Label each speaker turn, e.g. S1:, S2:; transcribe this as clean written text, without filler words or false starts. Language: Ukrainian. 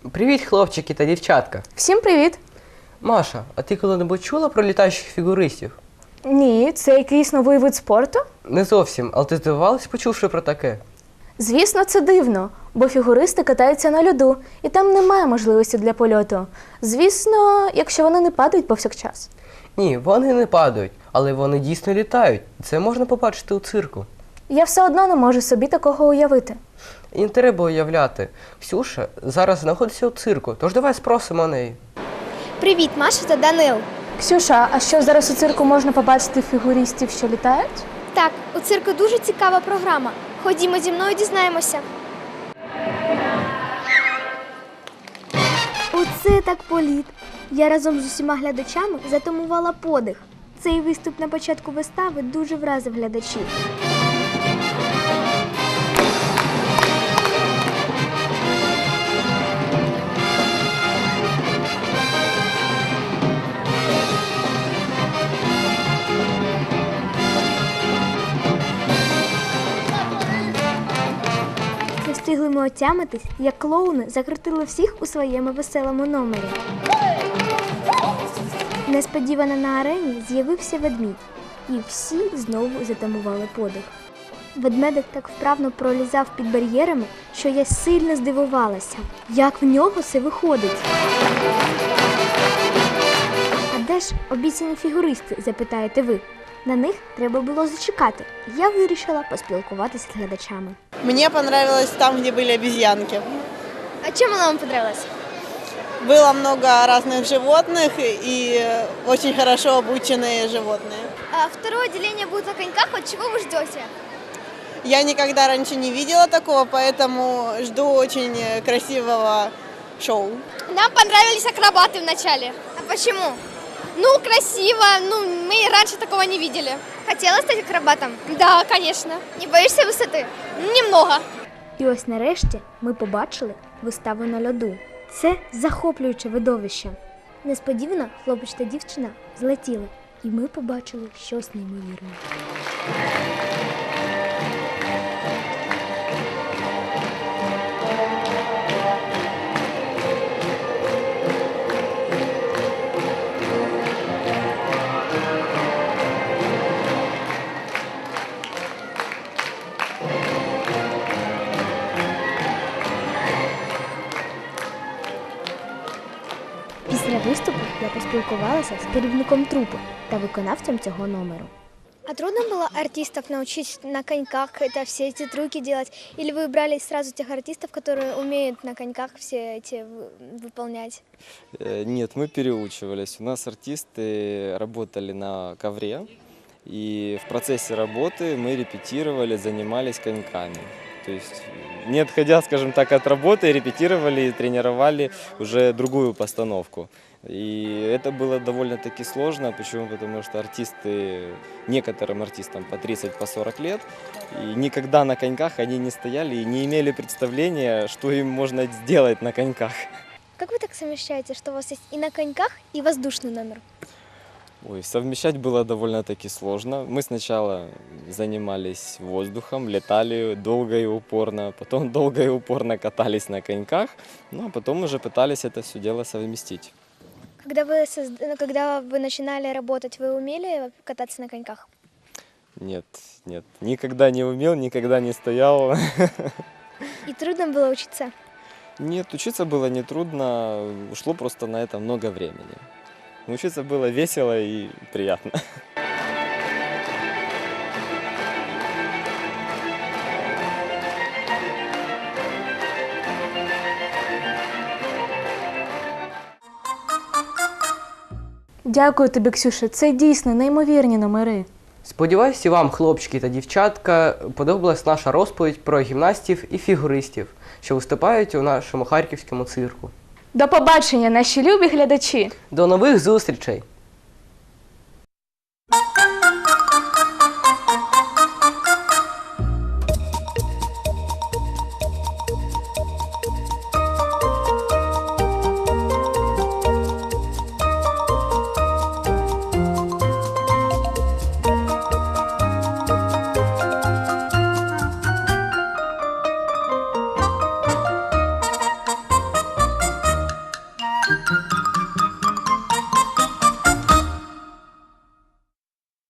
S1: Привіт, хлопчики та дівчатка.
S2: Всім привіт!
S1: Маша, а ти коли-небудь чула про літаючих фігуристів?
S2: Ні, це якийсь новий вид спорту?
S1: Не зовсім, але ти здивувалась, почувши про таке?
S2: Звісно, це дивно, бо фігуристи катаються на льоду, і там немає можливості для польоту. Звісно, якщо вони не падають повсякчас.
S1: Ні, вони не падають, але вони дійсно літають. Це можна побачити у цирку.
S2: Я все одно не можу собі такого уявити.
S1: І не треба уявляти. Ксюша зараз знаходиться у цирку, тож давай спросимо неї.
S3: Привіт, Маша та Данил.
S2: Ксюша, а що зараз у цирку можна побачити фігуристів, що літають?
S3: Так, у цирку дуже цікава програма. Ходімо зі мною, дізнаємося. Оце так політ. Я разом з усіма глядачами затамувала подих. Цей виступ на початку вистави дуже вразив глядачів. Не встигли ми отямитись, як клоуни закрутили всіх у своєму веселому номері. Несподівано на арені з'явився ведмідь, і всі знову затамували подих. Ведмедик так вправно пролізав під бар'єрами, що я сильно здивувалася, як в нього це виходить. А де ж обіцяні фігуристи, запитаєте ви? На них треба було зачекати. Я вирішила поспілкуватися з глядачами.
S4: Мне понравилось там, где были обезьянки.
S3: А чим вона вам подобалась?
S4: Было много разных животных и очень хорошо обученные животные.
S3: Второе отделение будет на коньках, от чего вы ждете?
S4: Я никогда раньше не видела такого, поэтому жду очень красивого шоу.
S3: Нам понравились акробаты в начале. А почему? Ну, красиво. Мы раньше такого не видели. Хотела стать акробатом? Да, конечно. Не боишься высоты? Немного. І ось нарешті ми побачили виставу на льоду. Це захоплююче видовище. Несподівано хлопець та дівчина злетіли, і ми побачили щось неймовірне. Після виступу я поспілкувалася з керівником трупи та виконавцем цього номеру. А трудно было артистов научить на коньках все эти трюки делать? Или вы брали сразу тех артистов, которые умеют на коньках все эти выполнять?
S5: Нет, мы переучивались. У нас артисты работали на ковре, и в процессе работы мы репетировали, занимались коньками. То есть, не отходя, скажем так, от работы, репетировали и тренировали уже другую постановку. И это было довольно-таки сложно. Почему? Потому что артисты, некоторым артистам по 30, по 40 лет, и никогда на коньках они не стояли и не имели представления, что им можно сделать на коньках.
S3: Как вы так совмещаете, что у вас есть и на коньках, и воздушный номер?
S5: Ой, совмещать было довольно-таки сложно. Мы сначала занимались воздухом, летали долго и упорно, потом долго и упорно катались на коньках, ну а потом уже пытались это все дело совместить.
S3: Когда вы начинали работать, вы умели кататься на коньках?
S5: Нет, нет, никогда не умел, никогда не стоял.
S3: И трудно было учиться?
S5: Нет, учиться было нетрудно, ушло просто на это много времени. Учиться было весело и приятно.
S2: Дякую тобі, Ксюша, це дійсно неймовірні номери.
S1: Сподіваюсь, і вам, хлопчики та дівчатка, подобалась наша розповідь про гімнастів і фігуристів, що виступають у нашому харківському цирку.
S2: До побачення, наші любі глядачі!
S1: До нових зустрічей!